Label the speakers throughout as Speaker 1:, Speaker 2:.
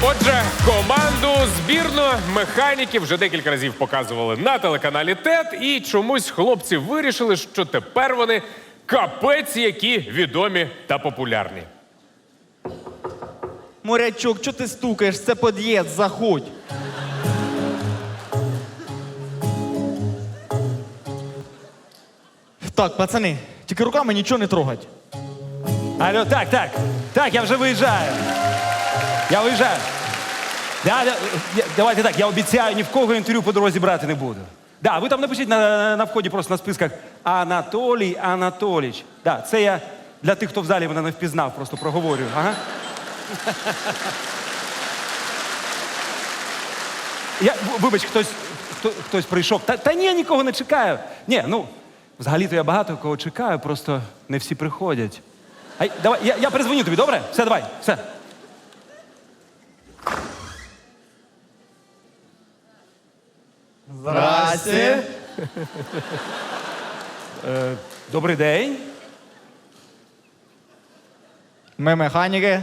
Speaker 1: Отже, команду збірну механіків вже декілька разів показували на телеканалі ТЕТ, і чомусь хлопці вирішили, що тепер вони капець які відомі та популярні.
Speaker 2: Морячок, чого ти стукаєш? Це під'їзд, заходь. Так, пацани, тільки руками нічого не трогать.
Speaker 3: Алло, так, я вже виїжджаю. Я виїжджаю. Давайте так, я обіцяю, ні в кого інтерв'ю по дорозі брати не буду. Да, ви там напишіть на вході просто на списках Анатолій Анатолійович. Да, це я для тих, хто в залі мене не впізнав, просто проговорюю. Ага. Вибач, хтось прийшов. Та ні, нікого не чекаю. Ні, ну, взагалі-то я багато кого чекаю, просто не всі приходять. Давай, я перезвоню тобі, добре? Все, давай, все.
Speaker 2: Здрасте.
Speaker 3: Добрий день.
Speaker 2: Ми механіки.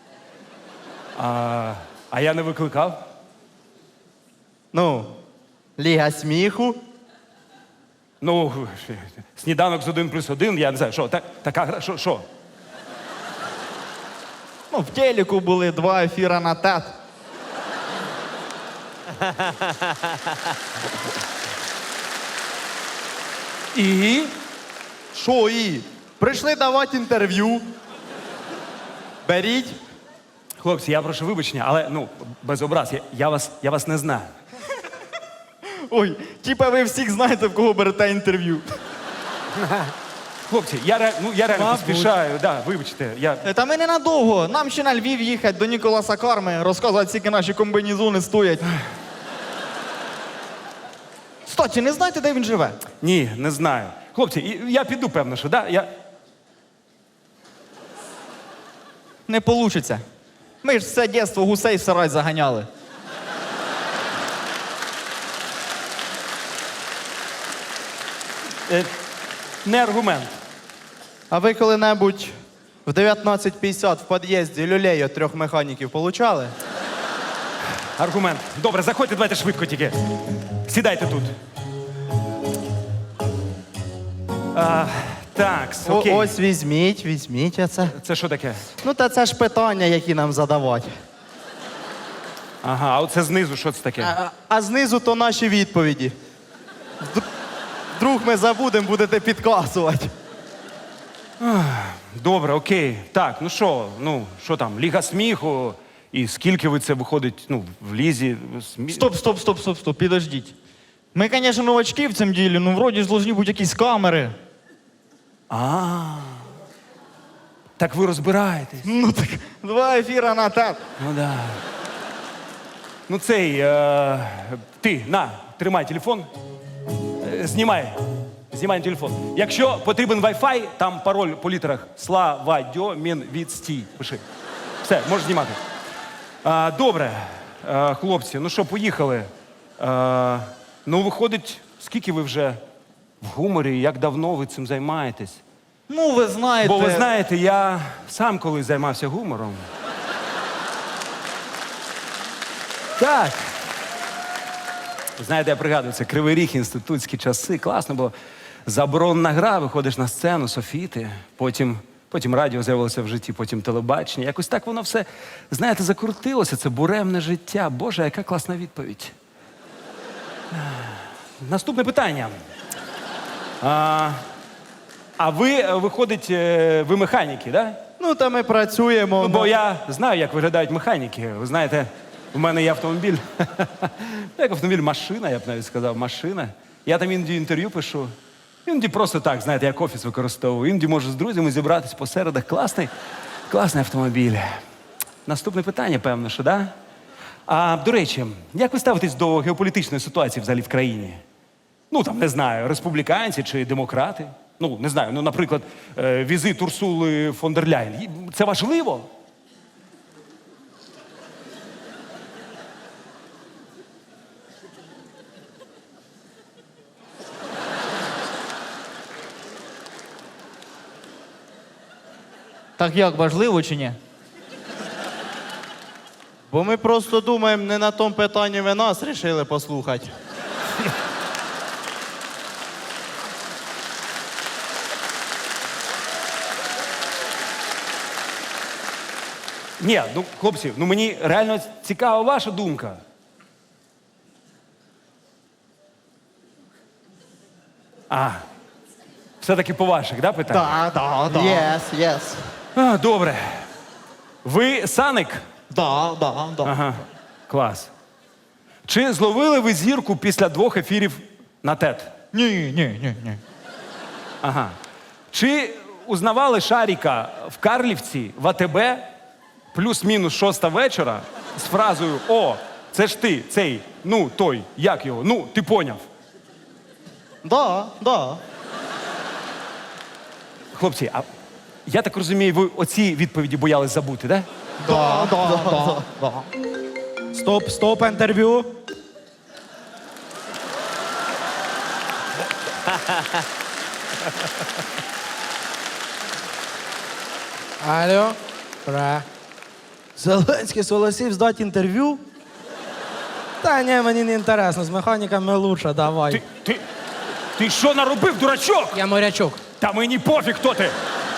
Speaker 3: А я не викликав.
Speaker 2: Ну, Ліга сміху.
Speaker 3: Ну, сніданок з 1+1, я не знаю, що, така гра, що?
Speaker 2: Ну, в телеку були 2 ефіра на ТЕТ.
Speaker 3: І?
Speaker 2: Що і? Прийшли давати інтерв'ю. Беріть.
Speaker 3: Хлопці, я прошу вибачення, але, ну, без образ, я вас не знаю.
Speaker 2: Ой, типа ви всіх знаєте, в кого берете інтерв'ю.
Speaker 3: Хлопці, я реально
Speaker 2: Мабуть.
Speaker 3: поспішаю, да, вибачте,
Speaker 2: Та ми ненадовго. Нам ще на Львів їхати до Ніколаса Карми, розказувати, скільки наші комбінезони стоять. Кстати, не знаєте, де він живе?
Speaker 3: Ні, не знаю. Хлопці, я піду, певно, що, да?
Speaker 2: Не получиться. Ми ж все дєство гусей в сарай заганяли.
Speaker 3: Не аргумент.
Speaker 4: А ви коли-небудь в 19:50 в під'їзді люлей від 3 механіків получали?
Speaker 3: Аргумент. Добре, заходьте, давайте швидко тільки. Сідайте тут. Так, окей.
Speaker 4: Ось візьміть оце.
Speaker 3: Це що таке?
Speaker 4: Ну, та це ж питання, які нам задавати.
Speaker 3: Ага, а оце знизу, що це таке?
Speaker 4: А знизу то наші відповіді. Вдруг ми забудемо, будете підказувати.
Speaker 3: Добре, окей. Так, ну що там, Ліга сміху, і скільки ви це виходить, ну, в лізі?
Speaker 2: Стоп, підождіть. Ми, звісно, новачки в цьому ділі, ну, вроді ж должні бути якісь камери.
Speaker 3: Так ви розбираєтесь.
Speaker 2: Ну так, 2 ефіра на ТЕТ.
Speaker 3: Ну да. Ну ти, тримай телефон. Знімай телефон. Якщо потрібен Wi-Fi, там пароль по літерах Слава-дьо-мін-відстій. Пиши. Все, можеш знімати. Добре, хлопці, ну що, поїхали. Ну, виходить, скільки ви вже в гуморі, як давно ви цим займаєтесь?
Speaker 2: Ну, ви знаєте...
Speaker 3: Бо ви знаєте, я сам колись займався гумором. Так. Знаєте, я пригадую, це Кривий Ріг, інститутські часи. Класно було. Заборонна гра, виходиш на сцену, софіти, потім радіо з'явилося в житті, потім телебачення. Якось так воно все, знаєте, закрутилося. Це буремне життя. Боже, яка класна відповідь. Наступне питання. А ви, виходить, ви механіки, да?
Speaker 4: Ну, та ми працюємо.
Speaker 3: Ну, бо я знаю, як виглядають механіки. Ви знаєте, в мене є автомобіль. Як автомобіль, машина, я б навіть сказав, машина. Я там іноді інтерв'ю пишу. Іноді просто так, знаєте, як офіс використовую. Іноді можу з друзями зібратись по середах. Класний автомобіль. Наступне питання, певно, що, да? До речі, як ви ставитесь до геополітичної ситуації взагалі в країні? Ну, там, не знаю, республіканці чи демократи? Ну, не знаю, ну, наприклад, візит Урсули фон дер Ляєн. Це важливо?
Speaker 2: Так як, важливо чи ні?
Speaker 4: Бо ми просто думаємо, не на тому питанні ви нас рішили послухати.
Speaker 3: Ні, ну, хлопці, ну мені реально цікава ваша думка. Все-таки по ваших, да, питаннях?
Speaker 2: Да.
Speaker 4: Yes, yes.
Speaker 3: Добре. Ви Саник?
Speaker 2: Да.
Speaker 3: Ага, клас. Чи зловили ви зірку після 2 ефірів на ТЕТ?
Speaker 2: Ні.
Speaker 3: Ага. Чи узнавали Шаріка в Карлівці в АТБ плюс-мінус 6 вечора з фразою «О, це ж ти, цей, ну, той, як його, ну, ти поняв».
Speaker 4: Да.
Speaker 3: Хлопці, а я так розумію, ви оці відповіді боялись забути, да?
Speaker 2: Да.
Speaker 5: Стоп, інтерв'ю. Алло. Ура. Зеленський согласив здати інтерв'ю? Та ні, мені не інтересно, з механіками лучше, давай.
Speaker 3: Ти що наробив, дурачок?
Speaker 5: Я морячок.
Speaker 3: Та мені пофіг, хто ти.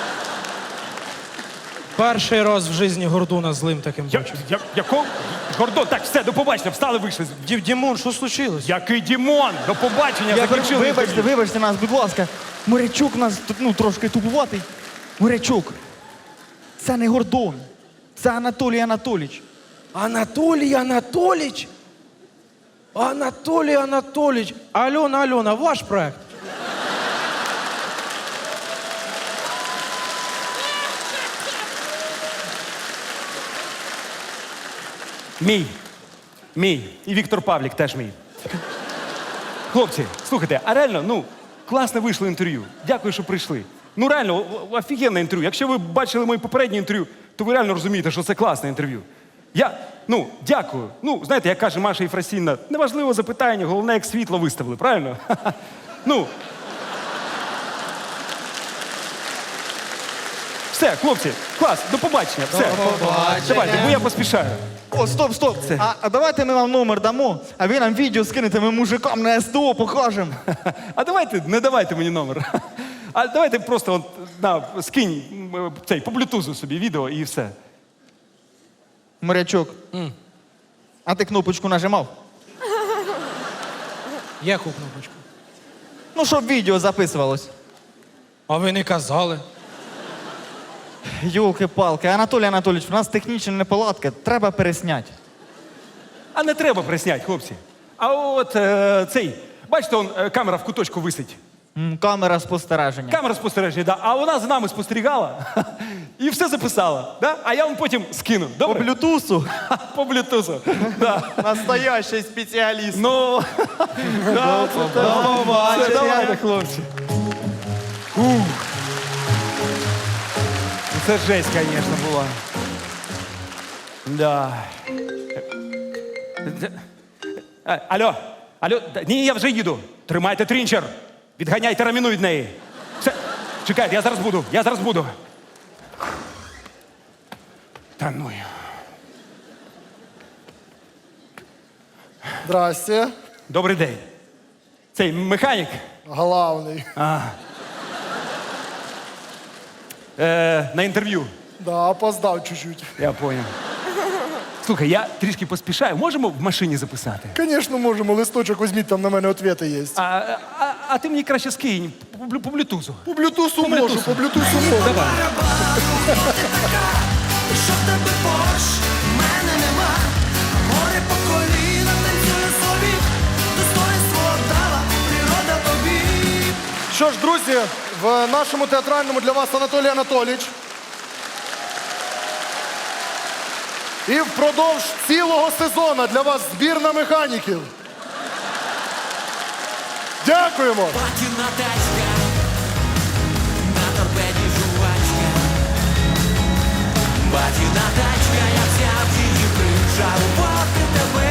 Speaker 5: Перший раз в житті Гордона злим таким бачив.
Speaker 3: Якого? Гордон, так, все, до побачення, встали, вийшли.
Speaker 5: Дімон, що случилось?
Speaker 3: Який Дімон? До побачення, закінчили.
Speaker 2: Вибачте нас, будь ласка. Морячук нас трошки тупуватий. Морячук. Це не Гордон. Це Анатолій Анатолійович.
Speaker 5: Анатолій Анатолійович? Анатолій Анатолійович. Альона, ваш проект?
Speaker 3: Мій. І Віктор Павлік теж мій. Хлопці, слухайте, а реально, ну, класне вийшло інтерв'ю. Дякую, що прийшли. Ну, реально, офігенне інтерв'ю. Якщо ви бачили моє попереднє інтерв'ю, то ви реально розумієте, що це класне інтерв'ю. Дякую. Ну, знаєте, як каже Маша Єфросінівна, неважливо запитання, головне, як світло виставили, правильно? Ну. Все, хлопці, клас, до побачення. Все. Давайте, бо я поспішаю.
Speaker 2: О, стоп. А давайте ми вам номер дамо, а ви нам відео скинете, ми мужикам на СТО покажемо.
Speaker 3: А давайте, не давайте мені номер. А давайте просто скинь цей по блютузу собі відео і все.
Speaker 2: Морячок. А ти кнопочку нажимав?
Speaker 5: Яку кнопочку?
Speaker 2: Ну, щоб відео записувалось.
Speaker 5: А ви не казали.
Speaker 2: Йолки-палки, Анатолій Анатолійович, у нас технічна неполадка, треба пересняти.
Speaker 3: А не треба присняти, хлопці. А от цей, бачите, камера в куточку висить.
Speaker 2: Камера спостереження.
Speaker 3: Камера спостереження, да. А вона за нами спостерігала і все записала. Да? А я вам потім скину.
Speaker 4: По
Speaker 3: Добре?
Speaker 4: блютусу.
Speaker 3: По блютузу. Да.
Speaker 4: Настоящий спеціаліст.
Speaker 3: Ну, да, все, давайте, хлопці. Ух. Це жесть, звісно, була. Да. Алло, ні, я вже їду. Тримайте трінчер. Відганяйте раміну від неї. Все, чекайте, я зараз буду. Та ну.
Speaker 6: Здрасте.
Speaker 3: Добрий день. Цей механік.
Speaker 6: Главний.
Speaker 3: На інтерв'ю.
Speaker 6: Да, опоздав чуть-чуть.
Speaker 3: Я понял. Слухай, я трішки поспішаю. Можемо в машині записати?
Speaker 6: Звісно, можемо. Листочок візьміть, там на мене ответи є.
Speaker 3: А ти мені краще скинь по блютузу.
Speaker 6: По блютусу можу, по блютусу можу.
Speaker 3: Давай.
Speaker 7: Що в тебе Порш, мене нема. Море по коліна танцює собі. Достоинство дала природа тобі.
Speaker 6: Що ж, друзі, в нашому театральному для вас Анатолій Анатолійович. І впродовж цілого сезону для вас збірна механіків. Дякуємо!
Speaker 7: Платіна тачка, на торпеді жувачка. Платіна тачка, я взяв її причарувати тебе.